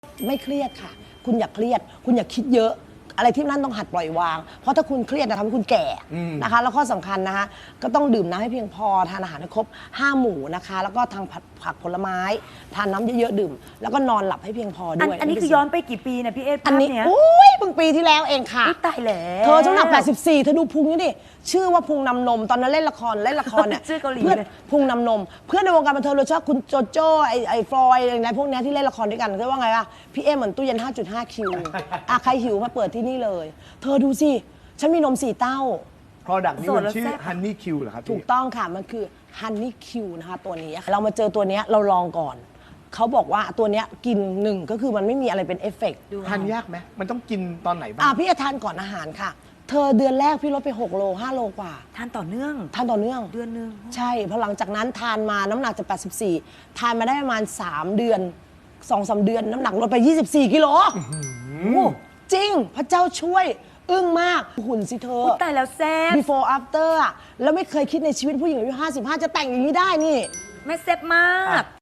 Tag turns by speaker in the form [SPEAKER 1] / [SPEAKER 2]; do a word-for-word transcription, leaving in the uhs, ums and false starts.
[SPEAKER 1] ไม่เครียดค่ะคุณอย่าเครียดคุณอย่าคิดเยอะอะไรที่นั่นต้องหัดปล่อยวางเพราะถ้าคุณเครียดจะทำให้คุณแก่นะคะแล้วข้อสำคัญนะคะก็ต้องดื่มน้ำให้เพียงพอทานอาหารให้ครบห้าหมู่นะคะแล้วก็ทางผักผลไม้ทานน้ำเยอะๆดื่มแล้วก็นอนหลับให้เพียงพอด้วย
[SPEAKER 2] อันนี้คือย้อนไปกี่ปีนะพี่เอส
[SPEAKER 1] อันนี้
[SPEAKER 2] ภาพเนี้ย
[SPEAKER 1] อุ้ยเพิ่งปีที่แล้วเองค่ะ
[SPEAKER 2] ตายแล้ว
[SPEAKER 1] เธอน้ำหนักแปดสิบสี่เธอดูพุงนี่ดิชื่อว่าพุงนำนมตอนนั้นเล่นละครเล่นละครเนี่ย
[SPEAKER 2] ชื่อเกาหลี
[SPEAKER 1] เพื่อน
[SPEAKER 2] เลย
[SPEAKER 1] พุงนำนมเพื่อนในวงการบันเทิงโดยเฉพาะคุณโจโจ้ไอไอฟลอยอะไรพวกเนี้ยที่เล่นละครด้วยกันเขาว่าไงวะพี่เอเหมือนตู้เย็น ห้าจุดห้า คิวอ่ะใครหิวมาเปิดที่นี่เลย เธอดูสิฉันมีนมสี่เต้า
[SPEAKER 3] Product นี้มันชื่อ
[SPEAKER 2] โสดแล้วแซ่บ
[SPEAKER 3] Honey Q เหรอครับพี่
[SPEAKER 1] ถูกต้องค่ะ มันคือ Honey Q นะคะตัวนี้เรามาเจอตัวเนี้ยเราลองก่อน เขาบอกว่าตัวเนี้ยกินหนึ่งก็คือมันไม่มีอะไรเป็นเอฟเฟกต์
[SPEAKER 3] ทานยากไหมมันต้องกินตอนไหนบ้า
[SPEAKER 1] อ่ะ
[SPEAKER 3] ง
[SPEAKER 1] พี่จะทานก่อนอาหารค่ะ เธอเดือนแรกพี่ลดไปหกโลห้าโลกว่า
[SPEAKER 2] ทานต่อเนื่อง
[SPEAKER 1] ทานต่อเนื่อง
[SPEAKER 2] เดือนหนึ่ง
[SPEAKER 1] ใช่พอหลังจากนั้นทานมาน้ำหนักจากแปดสิบสี่ทานมาได้ประมาณสามเดือนสองสามเดือนน้ำหนักลดไปยี่สิบสี่กิโลโอ้จริงพระเจ้าช่วยอึ้งมากหุ่นสิเธอ
[SPEAKER 2] อุ๊ยตายแล้วแซ่บ
[SPEAKER 1] before after อะแล้วไม่เคยคิดในชีวิตผู้หญิงอายุห้าสิบห้าจะแต่งอย่างนี้ได้นี่
[SPEAKER 2] แม่แซ่บมาก